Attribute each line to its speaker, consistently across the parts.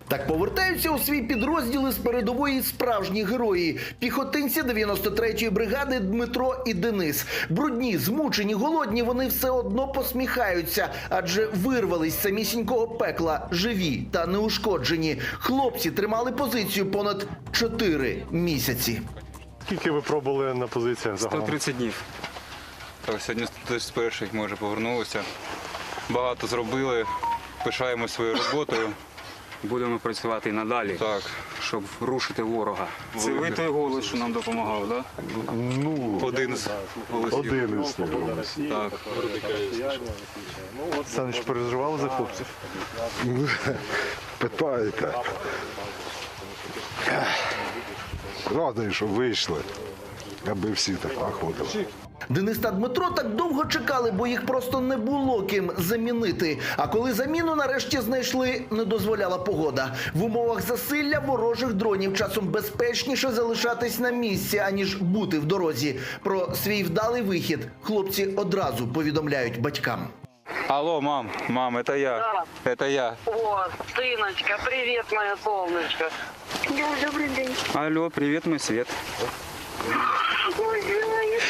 Speaker 1: Так повертаються у свій підрозділи з передової справжні герої. Піхотинці 93-ї бригади Дмитро і Денис. Брудні, змучені, голодні, вони все одно посміхаються, адже вирвались з самісінького пекла, живі та неушкоджені. Хлопці тримали позицію понад 4 місяці.
Speaker 2: Скільки ви пробули на позиціях загалом?
Speaker 3: 130 днів. Так, сьогодні з перших ми вже повернулися. Багато зробили, пишаємося своєю роботою.
Speaker 4: Будемо працювати і надалі,
Speaker 3: Так.
Speaker 4: щоб рушити ворога. Це ви той голос, що нам допомагав, так?
Speaker 2: Ну,
Speaker 3: Один з голосів.
Speaker 2: один із них.
Speaker 3: Так.
Speaker 2: Саныч, переживали за хлопців?
Speaker 5: Питаєте. Радий, що вийшли, аби всі так находили.
Speaker 1: Денис та Дмитро так довго чекали, бо їх просто не було ким замінити. А коли заміну нарешті знайшли, не дозволяла погода. В умовах засилля ворожих дронів часом безпечніше залишатись на місці, аніж бути в дорозі. Про свій вдалий вихід хлопці одразу повідомляють батькам.
Speaker 3: Алло, мам, это я.
Speaker 6: Да.
Speaker 3: Это я.
Speaker 6: О, сыночка, привет, моя солнышко.
Speaker 7: Да, добрый день.
Speaker 4: Алло, привіт, мій світ.
Speaker 7: Ой, я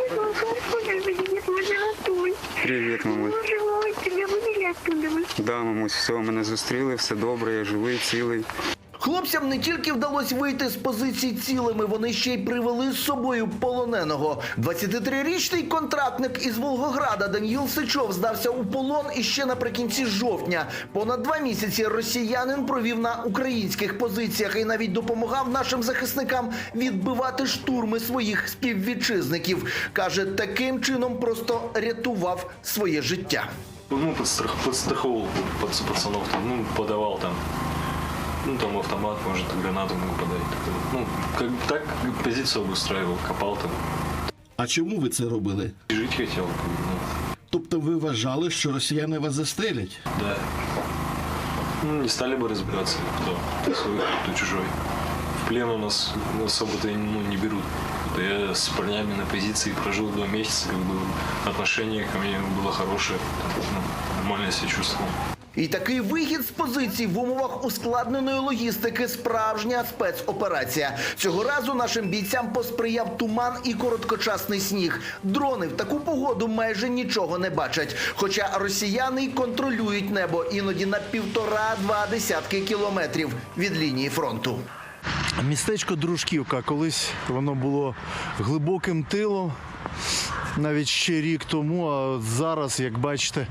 Speaker 7: привет, Антон.
Speaker 4: Привіт, мамусь.
Speaker 7: Ой, тебя вывели оттуда.
Speaker 4: Да, мамусь, все, мене зустріли, все добре, я живий, цілий.
Speaker 1: Хлопцям не тільки вдалося вийти з позицій цілими, вони ще й привели з собою полоненого. 23-річний контрактник із Волгограда Даніїл Сичов здався у полон іще наприкінці жовтня. Понад 2 місяці росіянин провів на українських позиціях і навіть допомагав нашим захисникам відбивати штурми своїх співвітчизників. Каже, таким чином просто рятував своє життя.
Speaker 8: Ну, подстраховал пацанов, там, ну, подавал там. Ну, там автомат, может, гранату могу подать. Ну, как так позицию обустраивал, копал там.
Speaker 9: А чому ви це робили?
Speaker 8: И жить хотел. Ну,
Speaker 9: Тобто ви вважали, що росіяни вас застрелять?
Speaker 8: да. Ну, не стали бы разбираться, кто свой, кто чужой. В плен у нас особо-то не берут. Я с парнями на позиции прожил 2 месяца, как бы отношение ко мне было хорошее, ну, нормально себя чувствовал.
Speaker 1: І такий вихід з позицій в умовах ускладненої логістики – справжня спецоперація. Цього разу нашим бійцям посприяв туман і короткочасний сніг. Дрони в таку погоду майже нічого не бачать. Хоча росіяни й контролюють небо іноді на 1,5-2 десятки кілометрів від лінії фронту.
Speaker 10: Містечко Дружківка. Колись воно було глибоким тилом, навіть ще рік тому, а зараз, як бачите,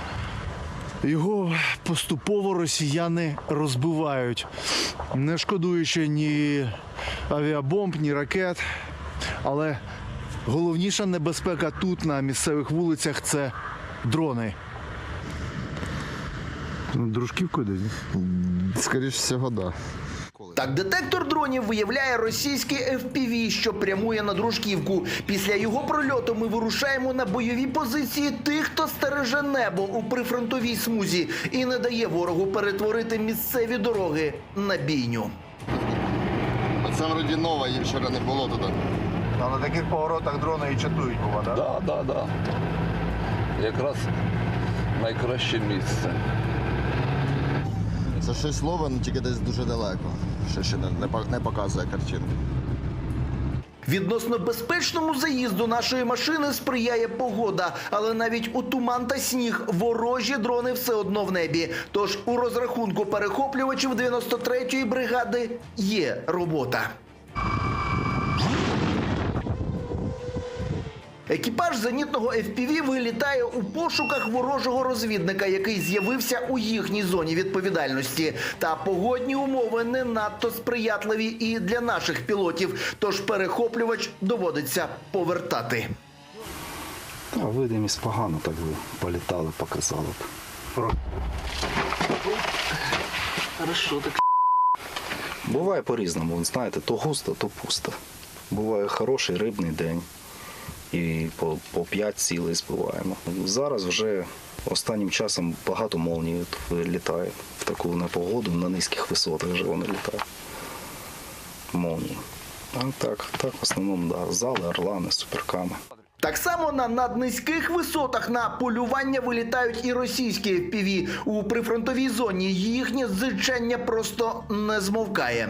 Speaker 10: його поступово росіяни розбивають, не шкодуючи ні авіабомб, ні ракет. Але головніша небезпека тут, на місцевих вулицях, це дрони.
Speaker 5: Дружківкою десь?
Speaker 11: Скоріше всього, так. Да.
Speaker 1: Так, детектор дронів виявляє російський FPV, що прямує на Дружківку. Після його прольоту ми вирушаємо на бойові позиції тих, хто стереже небо у прифронтовій смузі і не дає ворогу перетворити місцеві дороги на бійню.
Speaker 11: Це вроді нова, їх вчора не було туди.
Speaker 10: А на таких поворотах дрони і чатують, бува, так?
Speaker 12: Так. Якраз найкраще місце.
Speaker 11: Це щось лове, але тільки десь дуже далеко. Ще не показує картину.
Speaker 1: Відносно безпечному заїзду нашої машини сприяє погода, але навіть у туман та сніг ворожі дрони все одно в небі. Тож у розрахунку перехоплювачів 93-ї бригади є робота. Екіпаж зенітного FPV вилітає у пошуках ворожого розвідника, який з'явився у їхній зоні відповідальності. Та погодні умови не надто сприятливі і для наших пілотів, тож перехоплювач доводиться повертати.
Speaker 12: Та видимість погано, так би політали, показали б. Буває по-різному, знаєте, то густо, то пусто. Буває хороший рибний день. І по 5 цілей збиваємо. Зараз вже останнім часом багато молній літає. В таку непогоду на низьких висотах вже вони літають. Молнії. А так, в основному, да, зали, орлани, суперками.
Speaker 1: Так само на наднизьких висотах на полювання вилітають і російські FPV. У прифронтовій зоні їхнє зичення просто не змовкає.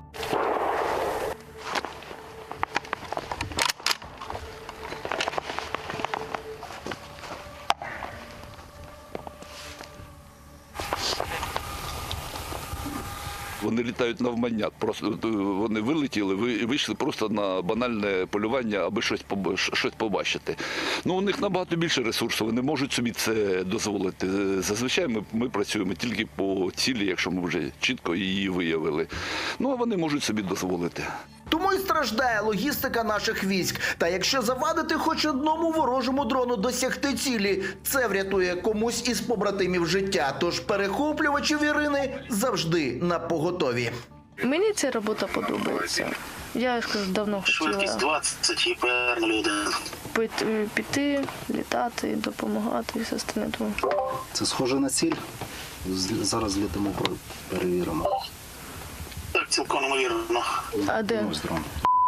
Speaker 13: Вони літають навмання, просто вони вилетіли, вийшли просто на банальне полювання, аби щось побачити. Ну, у них набагато більше ресурсів, вони можуть собі це дозволити. Зазвичай ми працюємо тільки по цілі, якщо ми вже чітко її виявили. Ну, а вони можуть собі дозволити.
Speaker 1: Тому й страждає логістика наших військ. Та якщо завадити хоч одному ворожому дрону досягти цілі, це врятує комусь із побратимів життя. Тож перехоплювачів Ірини завжди на поготові.
Speaker 14: Мені ця робота подобається. Я давно хотіла
Speaker 6: 20 і ПР-01.
Speaker 14: піти, літати, допомагати і все остальне.
Speaker 12: Це схоже на ціль. Зараз літимо, перевіримо.
Speaker 6: Так, цілком ймовірно.
Speaker 14: А де?
Speaker 12: Ось дрон.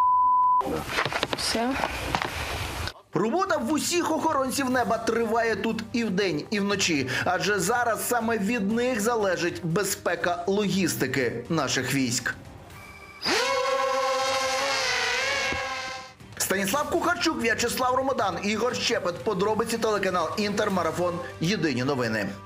Speaker 14: Все.
Speaker 1: Робота в усіх охоронців неба триває тут і вдень, і вночі. Адже зараз саме від них залежить безпека логістики наших військ. Станіслав Кухарчук, В'ячеслав Ромодан, Ігор Щепет. Подробиці телеканал Інтер, Марафон. Єдині новини.